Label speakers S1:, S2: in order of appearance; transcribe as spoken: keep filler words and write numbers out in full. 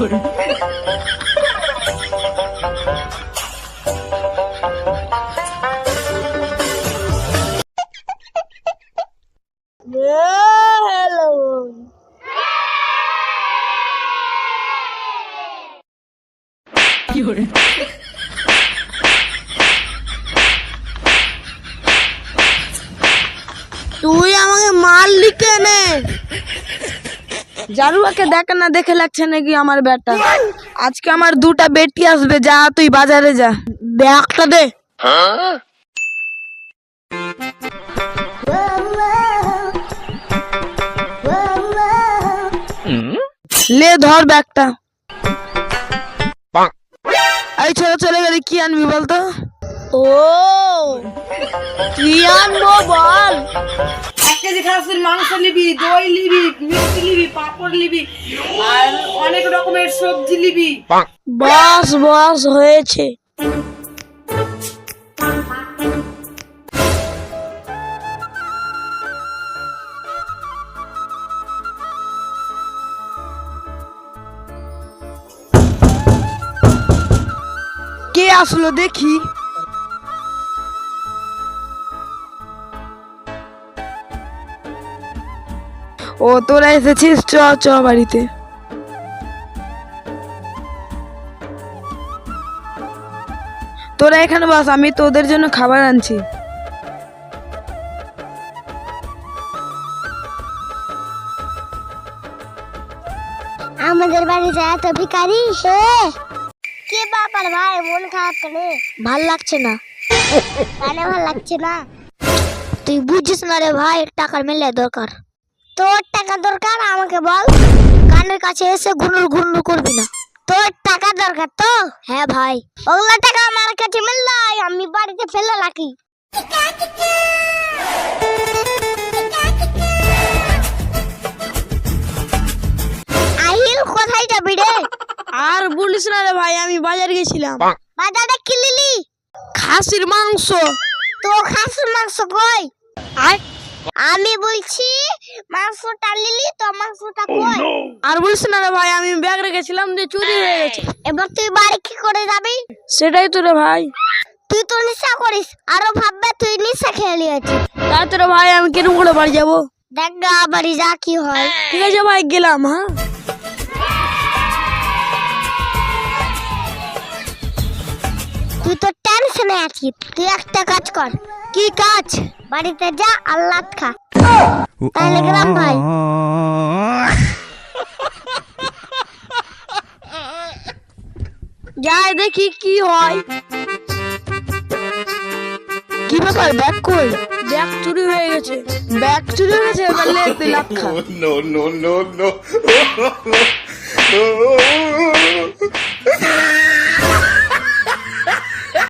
S1: তুই আমাকে মারলি কেনে? জারুয়াকে দেখে না দেখে লাগছে নাকি আমার বেটা? আজকে আমার দুটা বেটি আসবে, যা তুই বাজারে যা, ব্যাগটা দে। লে ধর ব্যাগটা। এই ছেলে চলে গেলে কি আনবি বলতো? ও কি আনবো বল?
S2: এক কেজি খাসির মাংস নিবি, দই নিবি, মিষ্টি নিবি, পাঁপড় নিবি আর অনেক রকমের সবজি নিবি।
S1: বস বস হয়েছে। কে আসলো দেখি? ও তোরা এসেছিস, চ চ বাড়িতে। তোরা এখানে বস, আমি তোদের জন্য খাবার আনছি।
S3: আমাদের বাড়িতে এত ভিখারি কে বাবার ভাই, মন খারাপ কেন? ভাল লাগছে না। কেন ভাল লাগছে না? তুই বুঝিস না রে ভাই, টাকার মেলে দরকার। তোর টাকা দরকার আমাকে বল, কানের কাছে এসে গুনুর গুনুর করবি না। তোর টাকা দরকার তো? হ্যাঁ ভাই, ওগুলা টাকা আমার কাছে মিললে আমি বাড়িতে ফেলে রাখি। আহিল কোথায় যাবি রে?
S1: আর বলিস না রে ভাই, আমি বাজার গেছিলাম।
S3: বাজারে কি নিলি?
S1: খাসির মাংস।
S3: তো খাসির মাংস কই? আমি বলছি মাংসটা নিলি তো, মাংসটা কই?
S1: আর বলিস না রে ভাই, আমি ব্যাগ রেখেছিলাম যে চুরি হয়ে গেছে।
S3: এবার তুই বাড়ি কি করে যাবি?
S1: সেটাই তো রে ভাই।
S3: তুই তো নেশা করিস, আরো ভাববে তুই নেশা খেয়ে নিয়েছিস।
S1: তাই তো রে ভাই, আমি কিরম করে বাড়ি যাবো?
S3: দেখ গা বাড়ি যা কি হয়।
S1: ঠিক আছে ভাই, গেলাম। হ্যাঁ
S3: তুই তো টেনশনে আছিস, তুই একটা কাজ কর। কি কাজ? বাড়িতে যা আল্লাহ খা, তাহলে গেলাম ভাই।
S1: যাই দেখি কি হয়। কি ব্যাপার, ব্যাগ কই? ব্যাগ চুরি হয়ে গেছে। ব্যাগ চুরি হয়ে গেছে, এবার লে তুই লাখ খা।
S4: No, no, no, no.